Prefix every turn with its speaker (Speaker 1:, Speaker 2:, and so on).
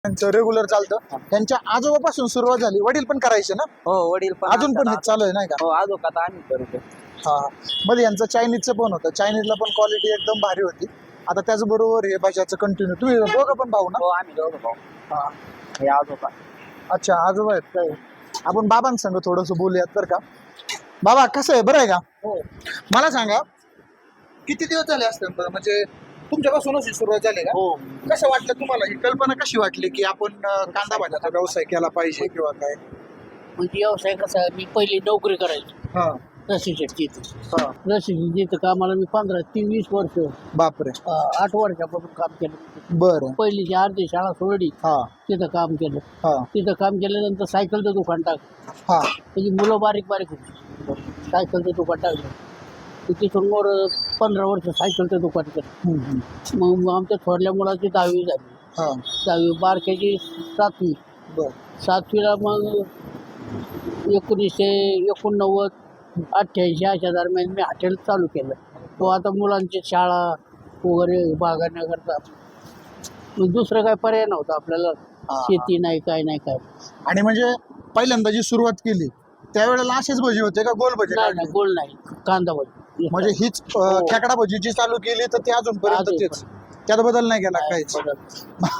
Speaker 1: त्यांचं रेग्युलर चालतं. त्यांच्या आजोबापासून सुरुवात झाली. वडील पण करायचे ना?
Speaker 2: हो वडील पण
Speaker 1: अजून पण हे चालू आहे नाही का?
Speaker 2: हो अजून आता आम्ही करतो.
Speaker 1: हा. मध्ये यांचं चायनीजचं पण होतं. चायनीजला पण क्वालिटी एकदम भारी होती. आता त्याचबरोबर हे भाज्याचं कंटिन्यू. तुम्ही दोघं पण भाऊ ना?
Speaker 2: हो आम्ही दोघं भाऊ.
Speaker 1: हा.
Speaker 2: हे आजोबा.
Speaker 1: अच्छा आजोबा आहेत काय? आपण बाबांसंग थोडंसं बोलूयात बरं का. बाबा कसं आहे, बरं आहे का?
Speaker 2: हो
Speaker 1: मला सांगा किती दिवस झाले असतात बरं, म्हणजे तुमच्यापासूनच ही सुरुवात झाली का?
Speaker 2: हो
Speaker 1: कसं वाटलं तुम्हाला, ही कल्पना कशी वाटली की आपण कांदा भाज्याचा व्यवसाय केला पाहिजे किंवा काय?
Speaker 3: म्हणजे व्यवसाय कसा आहे, मी पहिली नोकरी करायची
Speaker 1: हा
Speaker 3: रशीच्या तिथे.
Speaker 1: हा.
Speaker 3: रशीची जिथं कामाला मी 15-20 वर्ष,
Speaker 1: बापरे.
Speaker 3: 8 वर्षापासून काम केलं.
Speaker 1: बरं.
Speaker 3: पहिली अर्धी शाळा सोडली,
Speaker 1: हा
Speaker 3: तिथं काम केलं.
Speaker 1: हा
Speaker 3: तिथं काम केल्यानंतर सायकलचं दुकान टाकलं.
Speaker 1: हा
Speaker 3: त्याची मुलं बारीक बारीक होती. सायकलचं दुकान टाकलं. तिथून वर 15 वर्ष सायकलचं दुकान केलं. मग आमच्या थोरल्या मुलाची 10वी झाली.
Speaker 1: हा
Speaker 3: 10वी, बारक्याची 7वी.
Speaker 1: बर
Speaker 3: 7वीला मग 1989-88 अशा दरम्यान मी हॉटेल चालू केलं. तो आता मुलांची शाळा वगैरे भागण्याकरता मग दुसरं काय पर्याय नव्हता आपल्याला. शेती नाही काय नाही काय.
Speaker 1: आणि म्हणजे पहिल्यांदा जी सुरुवात केली त्यावेळेला असेच भजी होते का गोल भजी
Speaker 3: नाही
Speaker 1: काढले?
Speaker 3: नाही गोल नाही, कांदा भजी.
Speaker 1: म्हणजे हीच खेकडा भजी जी चालू केली तर ती अजूनपर्यंत
Speaker 3: अजून
Speaker 1: तेच, त्यात बदल नाही केला काहीच.
Speaker 3: बदल.